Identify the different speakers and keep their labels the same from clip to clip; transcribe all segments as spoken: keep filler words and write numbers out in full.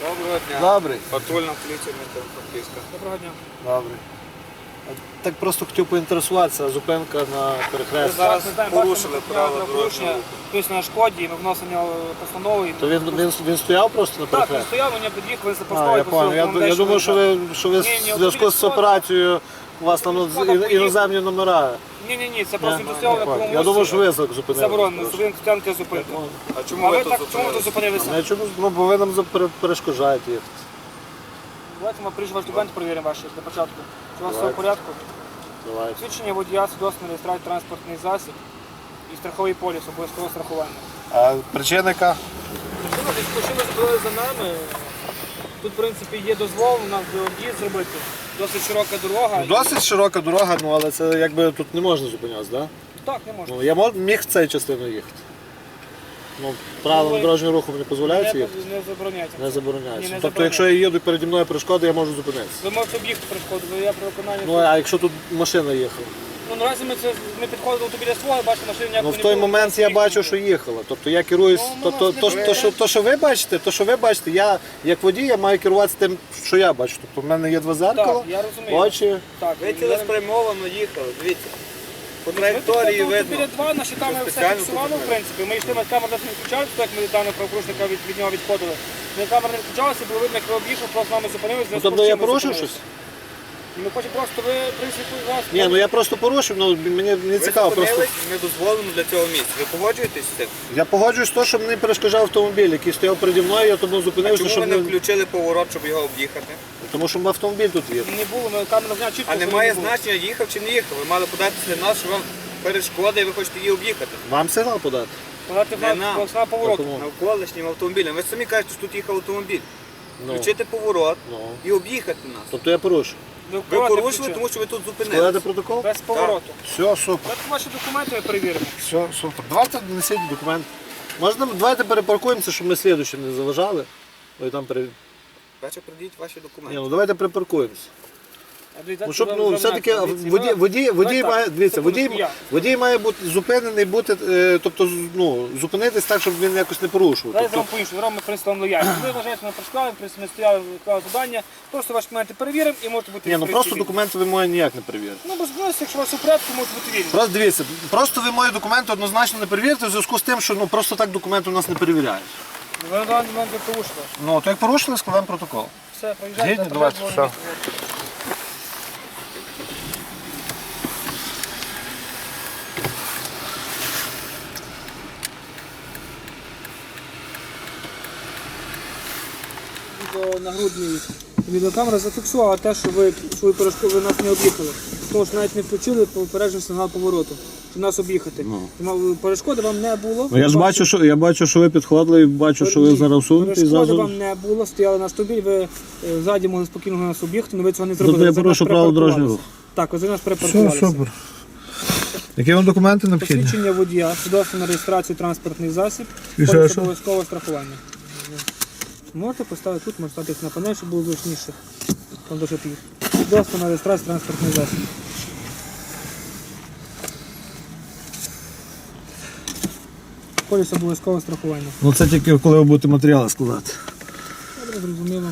Speaker 1: Доброго дня.
Speaker 2: Добрий.
Speaker 1: Патрульна поліція Франківська.
Speaker 3: Доброго дня.
Speaker 2: Добрий. Так просто хотів поінтересуватися, зупинка на
Speaker 1: Ви
Speaker 2: перехресті.
Speaker 1: зараз
Speaker 3: Ми знаємо,
Speaker 1: порушили
Speaker 3: бачимо,
Speaker 1: правила
Speaker 3: порушення,
Speaker 1: дорожнього руху.
Speaker 3: Хтось на шкоді, ми вносимо постанову.
Speaker 2: То він, він, він стояв просто на
Speaker 3: Так, він
Speaker 2: перехресті?
Speaker 3: стояв, він під'їхав, він
Speaker 2: А,
Speaker 3: запоставив.
Speaker 2: я понял. Я, я думав, що ви, що ви
Speaker 3: Ні, ні,
Speaker 2: в зв'язку з
Speaker 3: автомобіль
Speaker 2: операцією у вас там
Speaker 3: Автомобіль
Speaker 2: ін- іноземні номера.
Speaker 3: Ні-ні-ні, це просто
Speaker 2: Я,
Speaker 3: він стояв на
Speaker 2: я,
Speaker 3: якому
Speaker 2: я думав, що ви зупинили.
Speaker 3: заборонено, що він стоянки зупинки.
Speaker 1: А чому
Speaker 3: А
Speaker 1: ви
Speaker 3: ви
Speaker 1: тут
Speaker 3: так, чому ви тут
Speaker 1: зупинилися?
Speaker 3: зупинилися?
Speaker 2: Ну, чому? Ну, бо ви нам запер- перешкоджаєте їхати.
Speaker 3: Давайте ми прийшли ваш документ перевіримо ваші для початку. Чи у вас все в
Speaker 2: Давайте.
Speaker 3: порядку?
Speaker 2: Давайте.
Speaker 3: Свідчення водія, свідоцтво на реєстрацію транспортний засіб і страховий поліс, обов'язкове страхування.
Speaker 2: А причина яка?
Speaker 3: Причина, десь збили за нами. Тут, в принципі, є дозвол нам об'їзд зробити. Досить широка дорога.
Speaker 2: Досить широка дорога, ну але це якби тут не можна зупинятися, так?
Speaker 3: Так, не можна.
Speaker 2: Ну, я мож, міг в цю частину їхати. Ну, правилам
Speaker 3: ви-
Speaker 2: дорожнього руху мені дозволяється
Speaker 3: Не,
Speaker 2: їхати?
Speaker 3: не забороняйте.
Speaker 2: Не забороняється.
Speaker 3: Ні, не
Speaker 2: Тобто,
Speaker 3: забороняється.
Speaker 2: якщо я їду переді мною перешкоди, я можу зупинитися.
Speaker 3: Ви можете об'їхати перешкоду, ви я про виконання.
Speaker 2: Ну, а якщо тут машина їхала?
Speaker 3: Ну, наразі ми, це, ми підходили до біля свого, бачите, машини ніякої
Speaker 2: Ну,
Speaker 3: не
Speaker 2: в той
Speaker 3: було,
Speaker 2: момент
Speaker 3: ми
Speaker 2: я
Speaker 3: їхали.
Speaker 2: бачу, що їхала. Тобто я керуюсь,
Speaker 3: Ну,
Speaker 2: то,
Speaker 3: ну,
Speaker 2: то,
Speaker 3: нас
Speaker 2: то,
Speaker 3: не
Speaker 2: то, що,
Speaker 3: буде.
Speaker 2: то, що ви бачите, то, що ви бачите, я як водій, я маю керуватися тим, що я бачу. Тобто в мене є два зеркала,
Speaker 3: Так, я розумію.
Speaker 2: очі.
Speaker 3: Так,
Speaker 1: Ви
Speaker 3: я-
Speaker 1: цілеспрямовано їхали, дивіться. По
Speaker 3: Ми
Speaker 1: траєкторії
Speaker 3: підходили
Speaker 1: видно.
Speaker 3: біля два, наші камери все
Speaker 1: спеціально
Speaker 3: фіксували, в
Speaker 1: зупинили.
Speaker 3: принципі. Ми йшли, ми камери не включали, так як ми даного правопорушника від, від нього відходили. Ми камери не включалися, було видно, як ви об'їхав, просто з нами зупинилися.
Speaker 2: Ну, тобто я порушив щось?
Speaker 3: Ми хочемо просто, ви, в принципі, вас...
Speaker 2: Ні, ну я просто порушив, ну мені не
Speaker 1: Ви
Speaker 2: цікаво просто.
Speaker 1: зупинились в недозволеному для цього місця. Ви погоджуєтесь з цим?
Speaker 2: Я погоджуюсь з того, що мені перешкоджав автомобіль, який стояв переді мною, я тому
Speaker 1: А
Speaker 2: зупинився,
Speaker 1: чому ви
Speaker 2: щоб
Speaker 1: не
Speaker 2: не...
Speaker 1: включили поворот, щоб його об'їхати?
Speaker 2: Тому що автомобіль тут є.
Speaker 3: Не було, ми камеру зняли чітко.
Speaker 1: А
Speaker 3: що
Speaker 1: немає
Speaker 3: не було.
Speaker 1: значення, їхав чи не їхав. Ви мали податися на нас, що вам перешкода і ви хочете її об'їхати.
Speaker 2: Вам сигнал подати?
Speaker 3: Подати
Speaker 1: Не
Speaker 3: на,
Speaker 1: нам.
Speaker 3: на поворот.
Speaker 2: Тому.
Speaker 1: Навколишнім автомобілем. Ви ж самі кажете, що тут їхав автомобіль.
Speaker 2: Ну,
Speaker 1: Включити поворот
Speaker 2: ну.
Speaker 1: і об'їхати нас.
Speaker 2: Тобто я порушив.
Speaker 1: Ви
Speaker 3: поворот не
Speaker 1: порушили,
Speaker 3: включили.
Speaker 1: тому що ви тут
Speaker 2: Складати
Speaker 1: зупинилися.
Speaker 2: протокол?
Speaker 3: Без повороту.
Speaker 2: Все, супер.
Speaker 3: Давайте ваші документи ми перевіримо.
Speaker 2: Все, супер. Давайте несіть документ. Можна, давайте перепаркуємося, щоб ми слідуючим не заважали. Ой, там пере...
Speaker 1: Перше придіть ваші
Speaker 2: Ні,
Speaker 1: документи.
Speaker 2: ну давайте припаркуємося.
Speaker 3: А дивіться,
Speaker 2: Ну, щоб,
Speaker 3: ви-
Speaker 2: ну,
Speaker 3: ви
Speaker 2: все-таки
Speaker 3: знаєте,
Speaker 2: водій,
Speaker 3: ви-
Speaker 2: водій, водій,
Speaker 3: так,
Speaker 2: має, дивіться,
Speaker 3: секундочку,
Speaker 2: водій,
Speaker 3: я.
Speaker 2: водій має бути зупинений, бути, е, тобто, ну, зупинитись так, щоб він якось не порушував.
Speaker 3: Давайте
Speaker 2: Тобто,
Speaker 3: вам по-іншому, зробимо принцип вам лояльність. Ви вважаєте, що ми працювали, в принципі, ми стояли, виконали завдання, просто ваші документи перевіримо і можете бути
Speaker 2: ні, ну
Speaker 3: в
Speaker 2: просто
Speaker 3: принципі,
Speaker 2: документи ви мої ніяк не перевірите.
Speaker 3: вільні. Ну, без відносно, якщо у вас у порядку, можете бути вільні.
Speaker 2: Просто дивіться, просто ви мої документи однозначно не перевірите в зв'язку з тим, що ну, просто так документи у нас не перевіряють.
Speaker 3: Ви на даний момент ви порушили.
Speaker 2: Ну, то як порушили, складаємо протокол.
Speaker 3: Все, проїжджайте.
Speaker 2: Згідні?
Speaker 3: на
Speaker 2: Давайте,
Speaker 3: третє
Speaker 2: все.
Speaker 3: Відео нагрудний відеокамера зафіксувала те, що ви свою перешкоду ви нас не об'їхали. Тому що навіть не включили попереджений сигнал повороту, щоб нас об'їхати. Тому перешкоди вам не було.
Speaker 2: Ну, я ж бачу, що я бачу, що ви підходили і бачу, що ви зараз всунуті і
Speaker 3: Перешкоди
Speaker 2: зразу.
Speaker 3: вам не було, стояли на автомобіль, ви е, ззаді могли спокійно нас об'їхати, але ви цього не зробили.
Speaker 2: Тобто я
Speaker 3: Ви за нас
Speaker 2: порушив правила дорожнього руху.
Speaker 3: перепаркувалися. Так, ви за нас перепаркувалися.
Speaker 2: Які вам документи необхідні?
Speaker 3: Посвідчення водія, свідоцтво на реєстрацію транспортний засіб,
Speaker 2: І
Speaker 3: поліс
Speaker 2: що?
Speaker 3: обов'язкове страхування. Можете поставити тут, можете ставити на панель, щоб було зручніше. Там дуже пів. Свідоцтво на реєстрацію транспортний засіб. Поліс обов'язкове страхування.
Speaker 2: Ну це тільки коли ви будете матеріали складати.
Speaker 3: Добре, зрозуміло.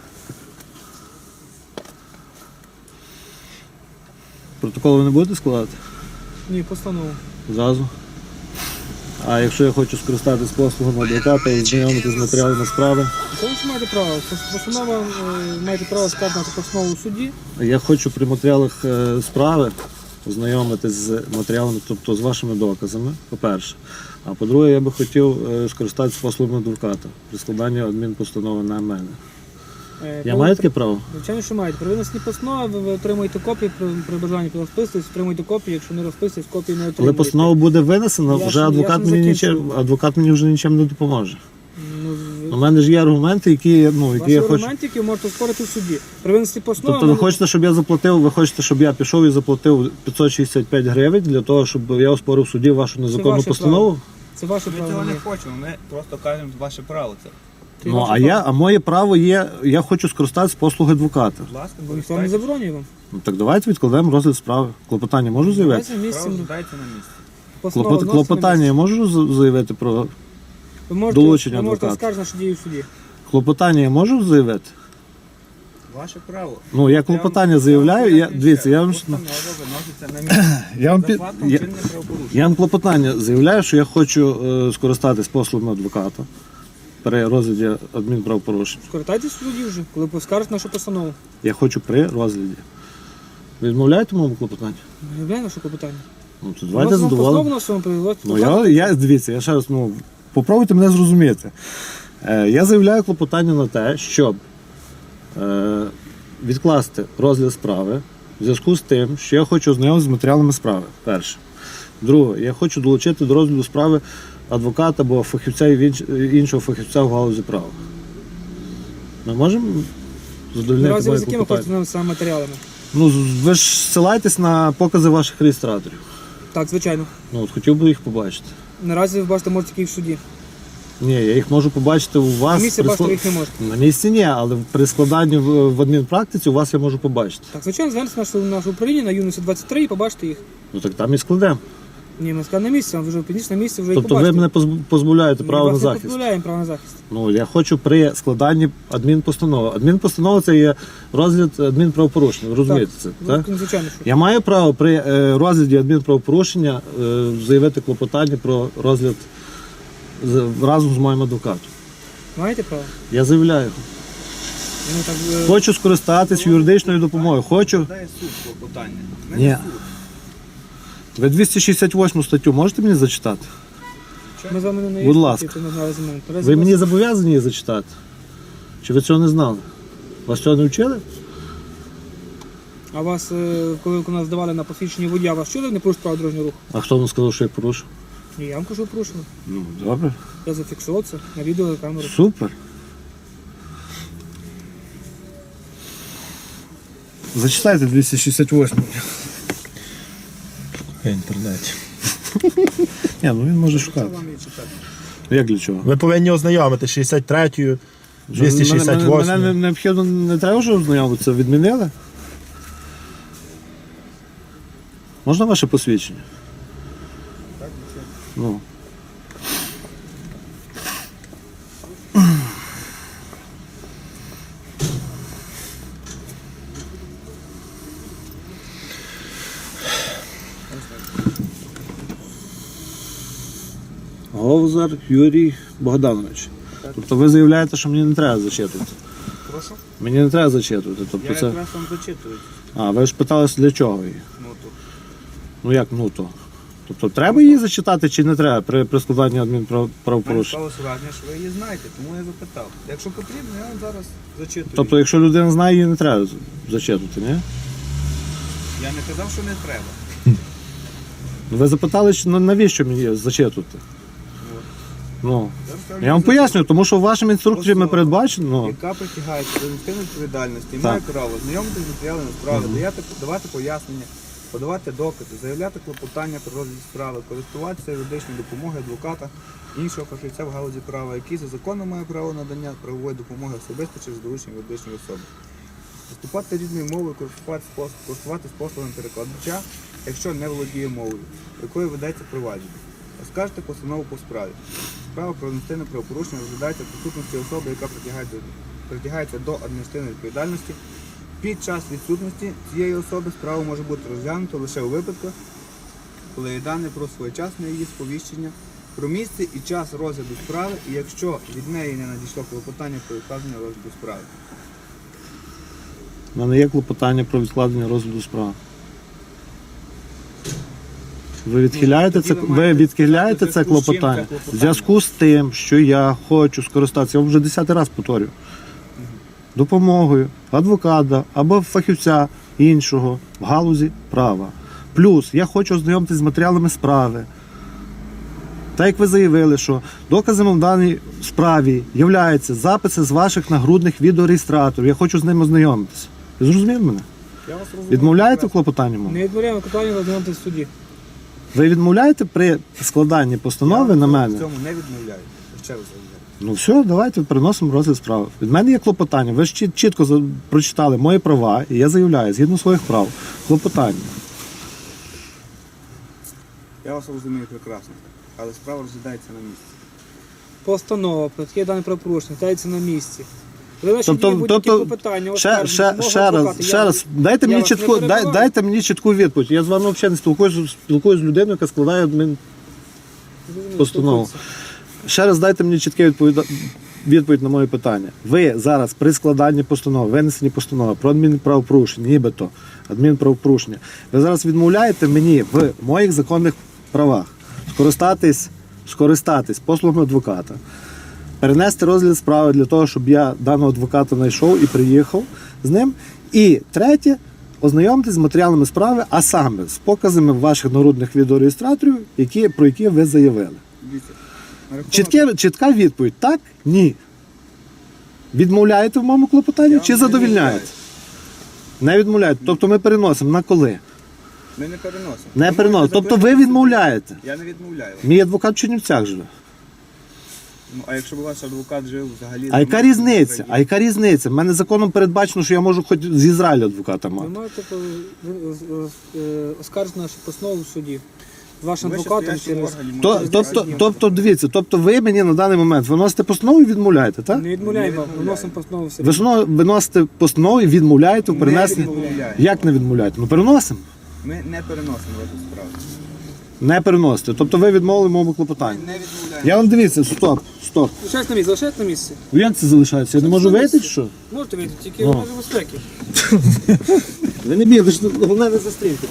Speaker 2: Протокол ви не будете складати?
Speaker 3: Ні, постанову.
Speaker 2: Зразу. А якщо я хочу скористатися послугами адвоката і знайомитися з матеріалами справи,
Speaker 3: Це ви ж маєте право. Постанова, е, маєте право складати на постанову у суді.
Speaker 2: я хочу при матеріалах е, справи ознайомитись з матеріалами, тобто з вашими доказами, по-перше. А по-друге, я би хотів е, скористатися послугами адвоката при складанні адмінпостанови на мене.
Speaker 3: Е,
Speaker 2: Я
Speaker 3: коли-
Speaker 2: маю таке право?
Speaker 3: Звичайно, що маєте. При винесенні постанови ви, ви отримуєте копії, при, при бажанні розписуєтесь, отримуєте копії, якщо не розписуєтесь, копії не
Speaker 2: Коли
Speaker 3: отримуєте.
Speaker 2: постанова буде винесена,
Speaker 3: Я
Speaker 2: вже
Speaker 3: ж-
Speaker 2: адвокат
Speaker 3: я ж не
Speaker 2: мені
Speaker 3: закінчив.
Speaker 2: нічим, адвокат мені вже нічим не допоможе.
Speaker 3: Ну,
Speaker 2: У мене ж є аргументи, які, ну, які
Speaker 3: ваші
Speaker 2: я хочу.
Speaker 3: аргументи, які ви можете спорити в суді. При винесенні постанови...
Speaker 2: Тобто ви
Speaker 3: ви-
Speaker 2: хочете, щоб я заплатив, ви хочете, щоб я пішов і заплатив п'ятсот шістдесят п'ять гривень для того, щоб я оспорив в суді вашу незаконну
Speaker 3: ваше
Speaker 2: постанову?
Speaker 3: Це ваше
Speaker 1: Ми
Speaker 3: право.
Speaker 1: цього не
Speaker 3: Ні.
Speaker 1: хочемо, ми просто кажемо ваше право це.
Speaker 3: Це
Speaker 2: Ну,
Speaker 3: ваше
Speaker 2: а
Speaker 3: право.
Speaker 2: я, а моє право є, я хочу скористатися послуги адвоката.
Speaker 1: Будь ласка,
Speaker 3: Бо ніхто не заборонює вам.
Speaker 2: Ну так давайте відкладемо розгляд справи. Клопотання можу заявити?
Speaker 3: Давайте місце.
Speaker 1: Право задайте на місці.
Speaker 3: Постанова
Speaker 2: Клопот,
Speaker 3: вноситься на
Speaker 2: клопотання я
Speaker 3: місце.
Speaker 2: можу з- заявити про
Speaker 3: Ви можете,
Speaker 2: долучення
Speaker 3: ви можете
Speaker 2: адвоката.
Speaker 3: оскаржити, що діє в суді.
Speaker 2: Клопотання я можу заявити?
Speaker 1: Ваше право.
Speaker 2: Ну, я клопотання заявляю, я, дивіться, я вам...
Speaker 1: Постанова виноситься на місце.
Speaker 2: Я вам,
Speaker 1: За
Speaker 2: під...
Speaker 1: фактом
Speaker 2: я...
Speaker 1: чинне правопорушення.
Speaker 2: я вам клопотання заявляю, що я хочу е, скористатись послугами адвоката при розгляді адмінправопорушень.
Speaker 3: Скористайтесь в суді вже, коли поскаржите нашу постанову.
Speaker 2: Я хочу при розгляді. Ви відмовляєте моєму клопотанню?
Speaker 3: Виявляє наше клопотання.
Speaker 2: Ну, то давайте задоволимо.
Speaker 3: задоволені.
Speaker 2: Ну, я, я, дивіться, я ще раз, ну, попробуйте мене зрозуміти. Е, я заявляю клопотання на те, щоб е, відкласти розгляд справи в зв'язку з тим, що я хочу ознайомитися з матеріалами справи. Перше. Друге, я хочу долучити до розгляду справи адвоката або фахівця і інш- іншого фахівця в галузі права. Ми можемо задовольнити
Speaker 3: Наразі ви
Speaker 2: моє
Speaker 3: з якими
Speaker 2: клопотання?
Speaker 3: хочете нам саме матеріалами?
Speaker 2: Ну, з- ви ж ссилаєтесь на покази ваших реєстраторів.
Speaker 3: Так, звичайно.
Speaker 2: Ну, от хотів би їх побачити.
Speaker 3: Наразі ви бачите, можете тільки в суді.
Speaker 2: Ні, я їх можу побачити у
Speaker 3: На
Speaker 2: вас.
Speaker 3: місці
Speaker 2: при
Speaker 3: бачите,
Speaker 2: склад-
Speaker 3: ви їх не можете.
Speaker 2: На місці ні, але при складанні в, в адмінпрактиці у вас я можу побачити.
Speaker 3: Так, звичайно, звернеться наше, наше управління на Юності двадцять три і побачите їх.
Speaker 2: Ну так там і складемо.
Speaker 3: Ні, ми скажемо на місці, вам вже підніс на місці, вже їх
Speaker 2: Тобто ви
Speaker 3: побачите.
Speaker 2: мене позб- позбавляєте
Speaker 3: Ми
Speaker 2: права на
Speaker 3: вас не
Speaker 2: захист.
Speaker 3: позбавляємо права на захист.
Speaker 2: Ну я хочу при складанні адмінпостанови. Адмінпостанова це є розгляд адмінправопорушення. Ви розумієте це? Так?
Speaker 3: Ну, звичайно, що.
Speaker 2: Я маю право при е, розгляді адмінправопорушення е, заявити клопотання про розгляд з- разом з моїм адвокатом.
Speaker 3: Маєте право?
Speaker 2: Я заявляю.
Speaker 3: Ну, так, е,
Speaker 2: Хочу скористатись юридичною допомогою. Хочу.
Speaker 1: Дає суд клопотання. Не
Speaker 2: Ні.
Speaker 1: суд.
Speaker 2: Ви двісті шістдесят восьму статтю можете мені зачитати?
Speaker 3: Ми з вами не
Speaker 2: Будь ласка.
Speaker 3: це не знали з мене. Наразі
Speaker 2: Ви
Speaker 3: вас-
Speaker 2: мені зобов'язані її зачитати? Чи ви цього не знали? Вас цього не вчили?
Speaker 3: А вас, е, коли нас здавали на посвідчення водія, вас чули не порушити право дорожнього руху?
Speaker 2: А хто вам сказав, що я порушив?
Speaker 3: Ні, я вам кажу, порушили.
Speaker 2: Ну, добре.
Speaker 3: Я зафіксував це на відео на камеру.
Speaker 2: Супер. Зачитайте двісті шістдесят восьму.
Speaker 4: В інтернеті.
Speaker 2: Ні, ну він може шукати.
Speaker 1: Вам її читати.
Speaker 2: Як для чого?
Speaker 4: Ви повинні ознайомити шістдесят третю, двісті шістдесят
Speaker 2: Мене, мене, мене
Speaker 4: восьму.
Speaker 2: необхідно не треба вже ознайомитися. Відмінили? Можна ваше посвідчення?
Speaker 1: Так, нічого.
Speaker 2: Ну. Говзар Юрій Богданович. Тобто ви заявляєте, що мені не треба зачитувати.
Speaker 1: Прошу.
Speaker 2: Мені не треба зачитувати. Тобто
Speaker 1: Я
Speaker 2: це...
Speaker 1: якраз вам зачитую.
Speaker 2: А, ви ж питалися для чого її?
Speaker 1: Ну, тут.
Speaker 2: Ну як ну то? Тобто треба її зачитати чи не треба при, при складанні
Speaker 1: Мене
Speaker 2: адмінправопорушень?
Speaker 1: сталося враження, що ви її знаєте, тому я запитав. Якщо потрібно, я вам зараз зачитую.
Speaker 2: Тобто, якщо людина знає, її не треба зачитувати, ні?
Speaker 1: Я не казав, що не треба.
Speaker 2: Ви запитали, що на- навіщо мені зачитувати?
Speaker 1: От.
Speaker 2: Ну,
Speaker 1: Зараз скажу,
Speaker 2: я вам
Speaker 1: що
Speaker 2: пояснюю, тому що в вашому інструкторі ми
Speaker 1: Особа,
Speaker 2: передбачено. Ну,
Speaker 1: яка притягається до адміністративної відповідальності,
Speaker 2: Так.
Speaker 1: має право знайомитися з матеріалами справи, даяти, давати пояснення, подавати докази, заявляти клопотання про розгляд справи, користуватися юридичною допомогою адвоката, іншого фахівця в галузі права, який за законом має право надання правової допомоги особисто через доручення юридичної особи. Виступати рідною мовою, користуватися пос- користуватись послугами перекладача, якщо не володіє мовою, якою ведеться провадження. Оскаржити постанову по справі. Справа про адміністративне правопорушення розглядається в присутності особи, яка притягається, притягається до адміністративної відповідальності. Під час відсутності цієї особи справа може бути розглянута лише у випадках, коли є дані про своєчасне її сповіщення, про місце і час розгляду справи, і якщо від неї не надійшло клопотання про відкладення розгляду справи.
Speaker 2: в мене є клопотання про відкладення розгляду справи. Ви відхиляєте
Speaker 1: Ну,
Speaker 2: це,
Speaker 1: тоді ви
Speaker 2: ви
Speaker 1: маєте
Speaker 2: відхиляєте
Speaker 1: сказати,
Speaker 2: це
Speaker 1: в зв'язку з чим
Speaker 2: клопотання
Speaker 1: це клопотання.
Speaker 2: в зв'язку з тим, що я хочу скористатися, я вам вже десятий раз повторюю, допомогою адвоката або фахівця іншого в галузі права. Плюс я хочу ознайомитися з матеріалами справи. Так як ви заявили, що доказами в даній справі являються записи з ваших нагрудних відеореєстраторів. Я хочу з ними ознайомитися. Ви зрозуміли мене?
Speaker 1: Я вас розумію.
Speaker 2: Відмовляєте в
Speaker 1: прекрасно.
Speaker 2: клопотанні мові?
Speaker 3: Не відмовляємо клопотання розглянути в суді.
Speaker 2: Ви відмовляєте при складанні постанови
Speaker 1: Я
Speaker 2: на
Speaker 1: в
Speaker 2: мене?
Speaker 1: цьому не відмовляю. Ще раз заявляю.
Speaker 2: Ну все, давайте переносимо розгляд справи. Від мене є клопотання. Ви ж чіт- чітко за- прочитали мої права, і я заявляю, згідно своїх прав, клопотання.
Speaker 1: Я вас розумію прекрасно, але справа розглядається на місці.
Speaker 3: постанова про таке дане правопорушення, ставиться на місці. Ви наші
Speaker 2: Тобто,
Speaker 3: дії будь-які
Speaker 2: тобто
Speaker 3: клопотання,
Speaker 2: ще,
Speaker 3: оскарження,
Speaker 2: ще,
Speaker 3: мого
Speaker 2: ще
Speaker 3: адвоката,
Speaker 2: раз,
Speaker 3: я
Speaker 2: ще
Speaker 3: вас-
Speaker 2: раз, дайте
Speaker 3: я
Speaker 2: мені
Speaker 3: вас не
Speaker 2: чітку, дай,
Speaker 3: перебиваю.
Speaker 2: дайте мені чітку відповідь. Я з вами взагалі не спілкуюся, спілкуюся з людиною, яка складає адмін
Speaker 3: Розумію,
Speaker 2: постанову.
Speaker 3: спілкуйтеся.
Speaker 2: Ще раз дайте мені чітке відповіда... відповідь на моє питання. Ви зараз при складанні постанови, винесенні постанови про адмінправопорушення, нібито адмінправопорушення, ви зараз відмовляєте мені в моїх законних правах скористатись, скористатись послугами адвоката, перенести розгляд справи для того, щоб я даного адвоката знайшов і приїхав з ним. І третє, ознайомитись з матеріалами справи, а саме з показами ваших народних відеореєстраторів, які, про які ви заявили.
Speaker 1: Дивіться, на рахунок-
Speaker 2: Чітке, чітка відповідь: так, ні. Відмовляєте в моєму клопотанні
Speaker 1: Я
Speaker 2: чи
Speaker 1: вам не
Speaker 2: задовільняєте?
Speaker 1: відмовляю.
Speaker 2: Не відмовляєте. Тобто ми переносимо на коли?
Speaker 1: Ми не переносимо.
Speaker 2: Не
Speaker 1: Ви
Speaker 2: переносимо.
Speaker 1: можете
Speaker 2: Тобто ви
Speaker 1: запитати,
Speaker 2: відмовляєте.
Speaker 1: Я не відмовляю.
Speaker 2: Мій адвокат в Чернівцях живе.
Speaker 1: Ну, а якщо б ваш адвокат жив взагалі...
Speaker 2: А яка
Speaker 1: за
Speaker 2: різниця?
Speaker 1: межами
Speaker 2: А яка різниця? В мене законом передбачено, що я можу хоч з Ізраїлю адвоката
Speaker 3: Ви
Speaker 2: мати.
Speaker 3: маєте по- ви- е, е, оскаржити нашу постанову в суді. З вашим
Speaker 1: Ви
Speaker 3: адвокатом
Speaker 1: щас стоячим
Speaker 3: через...
Speaker 1: органі
Speaker 2: То,
Speaker 1: можете
Speaker 2: тобто,
Speaker 1: сказати,
Speaker 2: тобто, дивіться, тобто ви мені на даний момент виносите постанову і відмовляєте, так?
Speaker 3: Не відмовляємо,
Speaker 1: Не відмовляємо.
Speaker 3: виносимо постанову в суді.
Speaker 2: Ви знову виносите постанову і відмовляєте в
Speaker 1: Не
Speaker 2: перенесенні.
Speaker 1: відмовляємо.
Speaker 2: Як не відмовляєте? Ну переносимо.
Speaker 1: Ми не переносимо розгляд справи.
Speaker 2: Не переносите. Тобто ви відмовили моєму клопотанню.
Speaker 1: Не відмовляємо.
Speaker 2: Я вам дивіться, стоп, стоп.
Speaker 3: Лишайтесь на місці, залишайтесь на місці.
Speaker 2: Як це залишається? Я не можу вийти, чи що?
Speaker 3: Можете вийти, тільки
Speaker 2: Ну.
Speaker 3: в межах безпеки.
Speaker 2: Ви не бігли, головне не застрімте.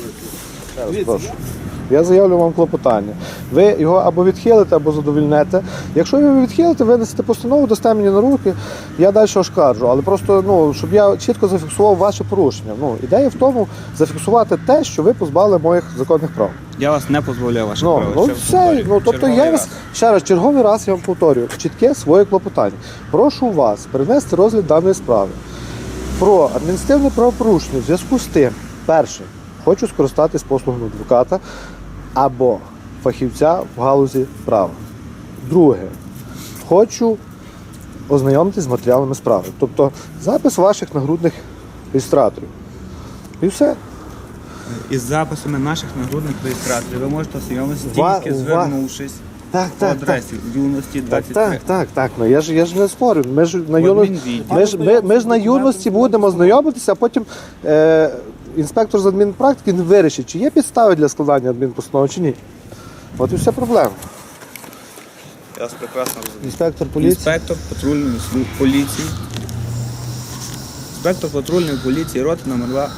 Speaker 2: Я заявлю вам клопотання. Ви його або відхилите, або задовільнете. Якщо ви його відхилите, винесете постанову, дасте мені на руки, я далі оскаржу. Але просто, ну, щоб я чітко зафіксував ваше порушення. Ну, ідея в тому зафіксувати те, що ви позбавили моїх законних прав.
Speaker 1: Я вас не дозволяю ваших
Speaker 2: Ну,
Speaker 1: прав.
Speaker 2: ну
Speaker 1: Ще раз
Speaker 2: все,
Speaker 1: повторюю.
Speaker 2: ну тобто
Speaker 1: Черговий
Speaker 2: я вас
Speaker 1: раз.
Speaker 2: ще раз, черговий раз я вам повторюю, чітке своє клопотання. Прошу вас перенести розгляд даної справи про адміністративне правопорушення в зв'язку з тим, перше, хочу скористатись послугами адвоката або фахівця в галузі права. Друге, хочу ознайомитись з матеріалами справи. Тобто запис ваших нагрудних реєстраторів. І все.
Speaker 1: Із записами наших нагрудних реєстраторів ви можете ознайомитися
Speaker 2: Ва-
Speaker 1: тільки
Speaker 2: ва-
Speaker 1: звернувшись
Speaker 2: Так,
Speaker 1: по
Speaker 2: так, так.
Speaker 1: адресі юності
Speaker 2: Так,
Speaker 1: двадцять
Speaker 2: так,
Speaker 1: три.
Speaker 2: так, так. Ну я ж я ж не спорю. Ми ж на
Speaker 1: В
Speaker 2: юно...
Speaker 1: адмінвідділі.
Speaker 2: ми ж ми, ми ж на юності будемо знайомитися, а потім е, інспектор з адмінпрактики він вирішить, чи є підстави для складання адмінпостанови, чи ні. От і вся проблема.
Speaker 1: Я вас прекрасно розумію.
Speaker 2: Інспектор поліції.
Speaker 1: Інспектор патрульної служби поліції. Інспектор патрульної поліції, роти номер два.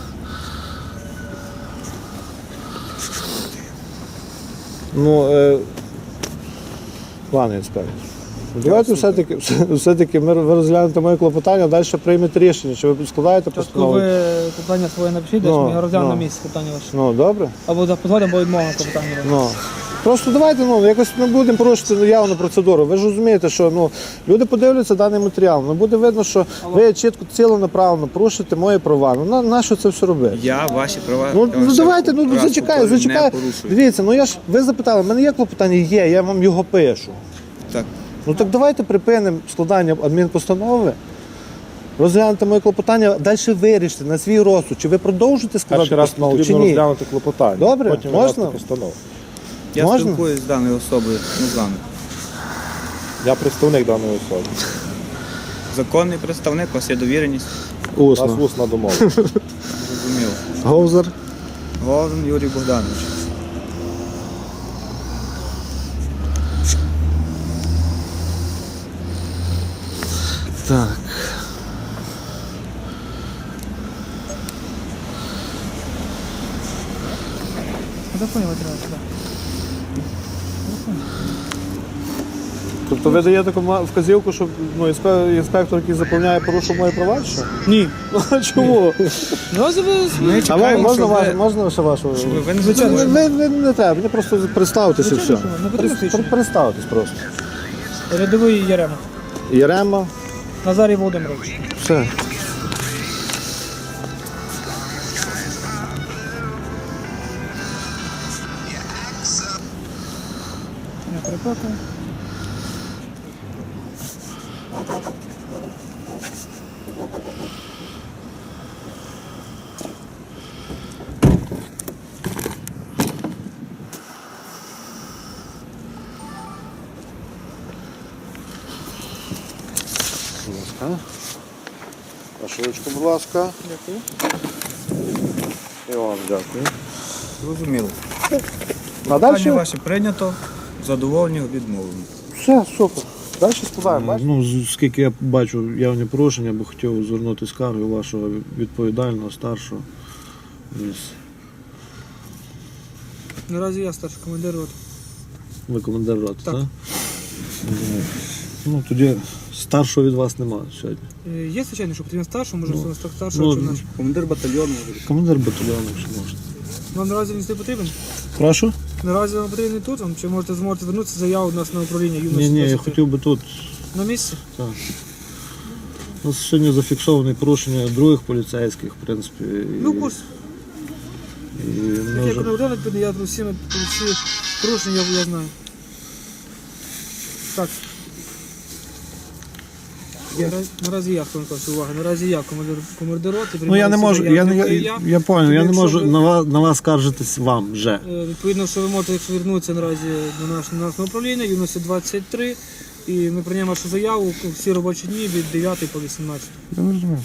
Speaker 2: Ну, е, пане інспектор. Давайте все-таки, все-таки ми ви розглянете моє клопотання, далі приймете рішення, чи ви складаєте
Speaker 3: Спочатку
Speaker 2: постанову.
Speaker 3: ви питання своє напишіть,
Speaker 2: Ну,
Speaker 3: десь ми розглянемо
Speaker 2: ну.
Speaker 3: на місці питання ваше.
Speaker 2: Ну, добре.
Speaker 3: Або запозволимо, або відмовимо по питанню.
Speaker 2: Ну. Просто давайте ну, якось не будемо порушити ну, явну процедуру. Ви ж розумієте, що ну, люди подивляться даний матеріал. Ну, буде видно, що ви чітко ціленаправленно порушуєте мої права. Ну, на, на що це все робити?
Speaker 1: Я ваші права.
Speaker 2: Ну,
Speaker 1: я вам
Speaker 2: ну
Speaker 1: ще
Speaker 2: давайте, ну
Speaker 1: раз
Speaker 2: зачекай,
Speaker 1: повторюю,
Speaker 2: зачекай.
Speaker 1: Не порушую.
Speaker 2: Дивіться, ну я ж ви запитали, в мене є клопотання? Є, я вам його пишу.
Speaker 1: Так.
Speaker 2: Ну так давайте припинимо складання адмінпостанови, розглянете моє клопотання, далі вирішите на свій розсуд, чи ви продовжите складати
Speaker 4: Перший раз
Speaker 2: постанову, чи
Speaker 4: потрібно
Speaker 2: ні.
Speaker 4: розглянути клопотання.
Speaker 2: Добре,
Speaker 4: потім
Speaker 2: можна?
Speaker 4: виносити постанову.
Speaker 1: Я
Speaker 2: Можна?
Speaker 1: спілкуюсь з даною особою, не з вами.
Speaker 4: Я представник даної особи.
Speaker 1: Законний представник, у вас є довіреність.
Speaker 4: У нас
Speaker 2: Усно.
Speaker 4: усна домова.
Speaker 1: Зрозуміло.
Speaker 2: Говзер.
Speaker 1: Головин Юрій Богданович.
Speaker 2: Так.
Speaker 3: Законні матеріали, так.
Speaker 2: Тобто ви даєте кома- вказівку, що ну, інспе- інспектор, який заповняє, порушив мої права, чи що?
Speaker 3: Ні.
Speaker 2: Ну а чому?
Speaker 3: Ну, а ви...
Speaker 1: Ми
Speaker 2: А ви,
Speaker 1: чекаємо,
Speaker 2: можна,
Speaker 1: що
Speaker 2: ваш,
Speaker 1: ви...
Speaker 2: можна ще вашу?
Speaker 1: Щоб ви не
Speaker 2: ви,
Speaker 1: затягували.
Speaker 2: ви, ви не треба, мені просто представтеся і все.
Speaker 3: Звичайно, що ви, не потрібно
Speaker 2: Прис-
Speaker 3: свідчення.
Speaker 2: Представтесь просто.
Speaker 3: Рядовий Ярема.
Speaker 2: Єрема,
Speaker 3: Назарій Володимирович.
Speaker 2: все.
Speaker 3: Я перепакую.
Speaker 2: Ага. Пашечку, будь ласка.
Speaker 3: Дякую.
Speaker 2: І вам дякую.
Speaker 1: Зрозуміло.
Speaker 2: А
Speaker 1: Питання
Speaker 2: далі?
Speaker 1: ваше прийнято, задоволені, відмовлені.
Speaker 2: Все, супер. Далі складаємо. Ну, з- скільки я бачу явні порушення, я би хотів звернути скаргу вашого відповідального, старшого. Із-
Speaker 3: Наразі я старший командир роти.
Speaker 2: Ви командир роти, так?
Speaker 3: Так.
Speaker 2: Мгм. Ну, тоді старшого від вас немає сьогодні.
Speaker 3: Е, Є, звичайно, що потрібен старший, може,
Speaker 2: Ну,
Speaker 3: ну, старшого
Speaker 2: ну,
Speaker 3: чи наш.
Speaker 1: Командир батальйону може.
Speaker 2: Командир батальйону, якщо можна.
Speaker 3: Вам наразі він не потрібен?
Speaker 2: Прошу?
Speaker 3: Наразі вам потрібен тут, вам, чи можете зможете звернутися заяву у нас на управління юності?
Speaker 2: Ні, ні, я
Speaker 3: двадцять три.
Speaker 2: хотів би тут.
Speaker 3: На місці?
Speaker 2: Так. У нас сьогодні зафіксовані порушення других поліцейських, в принципі. І,
Speaker 3: Ну, курс.
Speaker 2: і ми
Speaker 3: Як
Speaker 2: вже-
Speaker 3: не один, я про всі, про всі порушення я, я знаю. Так. Наразі, наразі я, хто наказує, увага, наразі я, командир, командир роти.
Speaker 2: Ну я не можу, я, не- я,
Speaker 3: я,
Speaker 2: я, я понял, я не
Speaker 3: Якщо
Speaker 2: можу
Speaker 3: ви-
Speaker 2: на вас, на вас скаржитись вам вже.
Speaker 3: Е, Відповідно, що ви можете якщо звернутися наразі до наш- на наше управління, юності двадцять три, і ми приймемо вашу заяву всі робочі дні від дев'ятої по вісімнадцяту.
Speaker 2: Я не розумію.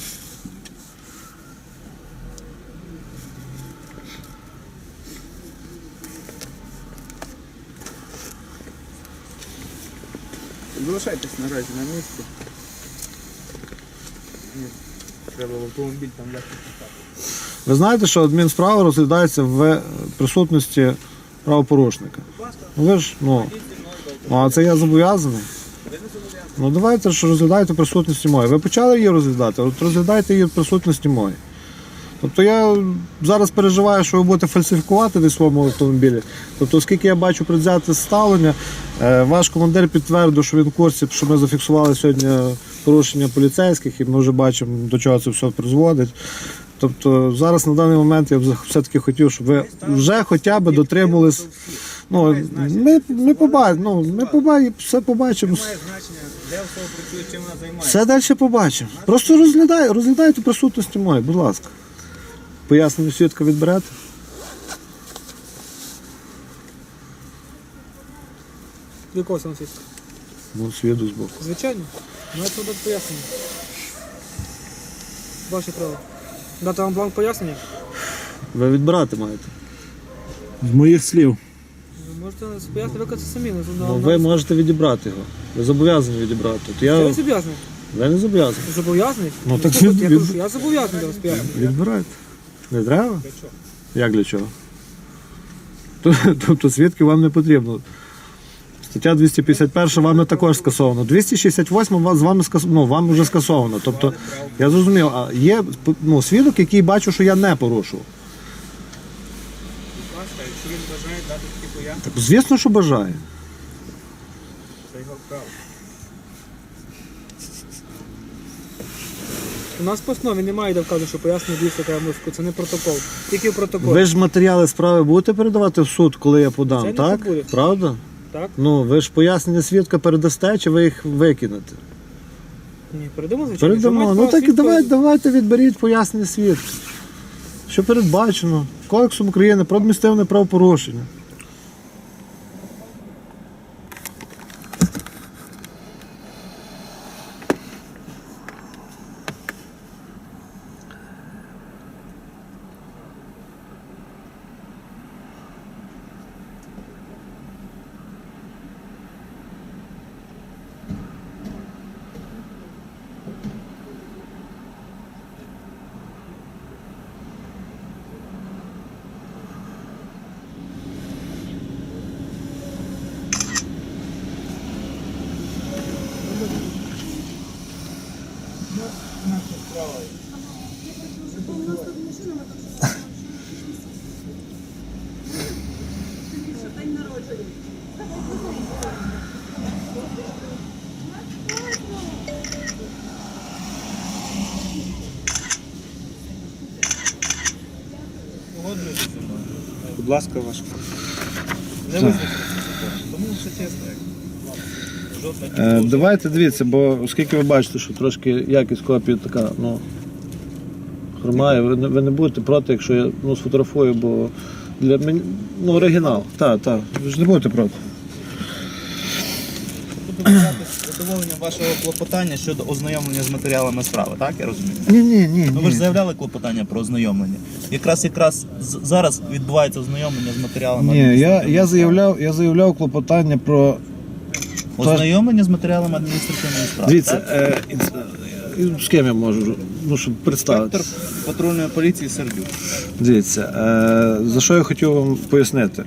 Speaker 1: Залишайтесь наразі на місці. Ні, треба в автомобіль там легко писати.
Speaker 2: Ви знаєте, що адмінсправа розглядається в присутності правопорушника. Ну ви ж, ну, ну а це я зобов'язаний. Ну давайте ж розглядайте в присутності моєї. Ви почали її розглядати, от розглядайте її в присутності моєї. Тобто я зараз переживаю, що ви будете фальсифікувати десь в своєму автомобілі. Тобто, оскільки я бачу предвзяте ставлення, е, ваш командир підтвердив, що він в курсі, що ми зафіксували сьогодні порушення поліцейських, і ми вже бачимо, до чого це все призводить. Тобто зараз на даний момент я б все-таки хотів, щоб ви вже хоча б дотримувались. Ну, ми, ми побачимо, ну, ми побачимо, все побачимо.
Speaker 1: Немає значення, де особа працює, чим вона займається.
Speaker 2: Все далі побачимо. Просто розглядай, розглядайте в присутності моєї, будь ласка. Пояснення свідка відберете?
Speaker 3: До якого саме свідка?
Speaker 2: Ну, свідок збоку.
Speaker 3: Звичайно. Маєте дати пояснення. Ваше право. Дати вам бланк пояснення?
Speaker 2: Ви відбирати маєте.
Speaker 4: З моїх слів.
Speaker 3: Ви можете пояснити виконати самі. На,
Speaker 2: Ну,
Speaker 3: на,
Speaker 2: ви можете відібрати його. Ви зобов'язані відібрати. От
Speaker 3: Я не
Speaker 2: я...
Speaker 3: зобов'язаний.
Speaker 2: Ви не зобов'язані.
Speaker 3: Зобов'язаний?
Speaker 2: Ну, так
Speaker 3: слухайте, я
Speaker 2: від-
Speaker 3: кажу, що я зобов'язаний для вас пояснити.
Speaker 2: Відбирайте. Не треба? Для чого? Як для чого? Тобто свідків вам не потрібно. Стаття двісті п'ятдесят перша вами також скасовано. двісті шістдесят восьма вас- з вами скас... ну, вам вже скасовано. Тобто, я зрозумів, а є ну, свідок, який бачу, що я не порушував.
Speaker 1: Будь ласка, якщо він бажає дати такі пояснення,
Speaker 2: Так, звісно, що бажає.
Speaker 1: це його право.
Speaker 3: У нас в постанові немає, де вказано, що пояснення дійсно треба музику. Це не протокол. Тільки в протоколі.
Speaker 2: Ви ж матеріали справи будете передавати в суд, коли я подам,
Speaker 3: Це не
Speaker 2: так?
Speaker 3: буде.
Speaker 2: Правда?
Speaker 3: Так?
Speaker 2: Ну, ви ж пояснення свідка передасте, чи ви їх викинете?
Speaker 3: Ні, передамо, звичайно. Якщо
Speaker 2: Передамо.
Speaker 3: маєте
Speaker 2: Ну
Speaker 3: право
Speaker 2: так і
Speaker 3: свідка,
Speaker 2: давайте, давайте відберіть пояснення свідка. Що передбачено Кодексом України про адміністративне правопорушення.
Speaker 1: Погоджуєтеся зі мною? Будь ласка, ваш Не визначено. Тому все чесно. як. Жодна
Speaker 2: Е, давайте дивіться, бо оскільки ви бачите, що трошки якість копії така, ну, хромає, ви не, ви не будете проти, якщо я ну, сфотографую, бо для мене, ну, оригінал. Так, так, ви ж не будете проти.
Speaker 1: Буду писати
Speaker 5: задоволення вашого клопотання щодо ознайомлення з матеріалами справи, так я розумію?
Speaker 4: Ні, ні, ні.
Speaker 5: Ну ви ж заявляли клопотання про ознайомлення. Якраз якраз з- зараз відбувається ознайомлення з матеріалами.
Speaker 4: Ні, я,
Speaker 5: адміністративної
Speaker 4: я,
Speaker 5: справи.
Speaker 4: заявляв, я заявляв клопотання про.
Speaker 5: Ознайомлення з матеріалами адміністративної справи.
Speaker 2: Дивіться,
Speaker 5: так?
Speaker 2: е, і- з ким я можу, ну, щоб представити.
Speaker 5: Інспектор патрульної поліції Сердюк.
Speaker 2: Дивіться, е, за що я хотів вам пояснити.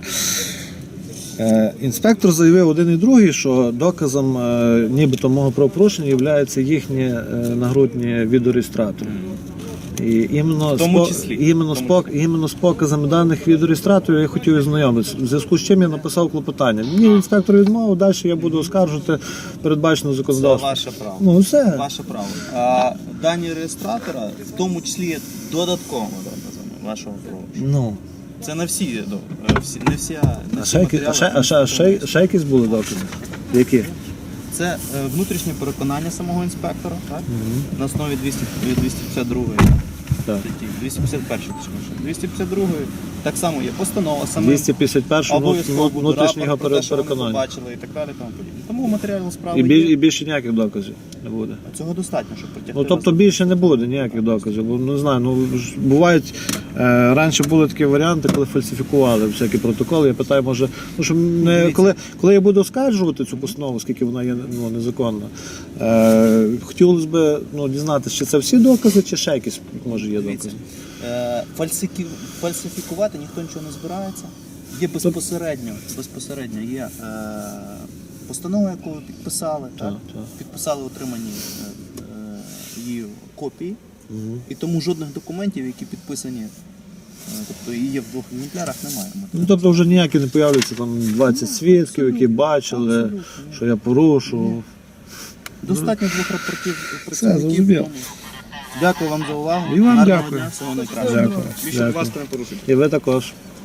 Speaker 2: Е, інспектор заявив один і другий, що доказом е, нібито мого правопорушення є їхні е, нагрудні відеореєстратори. І іменно,
Speaker 5: В тому
Speaker 2: з, по-
Speaker 5: числі.
Speaker 2: іменно,
Speaker 5: В
Speaker 2: з,
Speaker 5: тому
Speaker 2: пок- іменно з показами даних відеореєстраторів я хотів ознайомитися. В зв'язку з чим я написав клопотання. Мені інспектор відмовив, далі я буду оскаржувати передбачено
Speaker 5: Це
Speaker 2: законодавством.
Speaker 5: ваше право.
Speaker 2: Ну, все.
Speaker 5: Ваше право. А дані реєстратора, в тому числі є додатковими доказами вашого правопорушення.
Speaker 2: Ну.
Speaker 5: Це не всі, до- е, всі не всі, не
Speaker 2: А
Speaker 5: всі
Speaker 2: ще, які- а, ще, а, ще, а, ще, ще якісь були докази? Які?
Speaker 5: Це е, внутрішнє переконання самого інспектора, так? На основі двісті п'ятдесят другої
Speaker 2: Так.
Speaker 5: статті, двісті п'ятдесят першої, точніше. двісті п'ятдесят другої так само є постанова саме
Speaker 2: двісті п'ятдесят перше
Speaker 5: обов'язково буде
Speaker 2: внутрішнього
Speaker 5: рапорт про те, що вони
Speaker 2: переконання.
Speaker 5: побачили і так далі, тому подібне. Тому матеріал справи
Speaker 2: І, біль,
Speaker 5: є.
Speaker 2: і більше ніяких доказів не буде.
Speaker 5: Цього достатньо, щоб притягти.
Speaker 2: Ну тобто
Speaker 5: вас.
Speaker 2: більше не буде ніяких доказів. Бо не знаю, ну ж бувають е, раніше були такі варіанти, коли фальсифікували всякі протоколи. Я питаю, може, ну що не коли, коли я буду оскаржувати цю постанову, оскільки вона є ну, незаконна, е, хотілося б ну, дізнатися, чи це всі докази, чи ще якісь може є докази.
Speaker 5: Е, фальсики- Фальсифікувати ніхто нічого не збирається. Є безпосередньо, безпосередньо є е, постанова, яку ви підписали, так?
Speaker 2: так.
Speaker 5: Підписали отримані е, е, її копії, і тому жодних документів, які підписані, е, тобто і є в двох екземплярах, немає.
Speaker 2: Ну тобто вже ніякі не появляються там двадцять свідків, які бачили,
Speaker 5: Абсолютно.
Speaker 2: що я порушував.
Speaker 5: Достатньо двох рапортів
Speaker 4: Все,
Speaker 5: працівників.
Speaker 4: зрозумів.
Speaker 5: тому Дякую вам за увагу.
Speaker 4: І вам
Speaker 5: Гарного
Speaker 4: дякую.
Speaker 5: дня, всього найкращого.
Speaker 4: Дякую.
Speaker 1: Більше, будь ласка, не порушуйте.
Speaker 2: І ви також.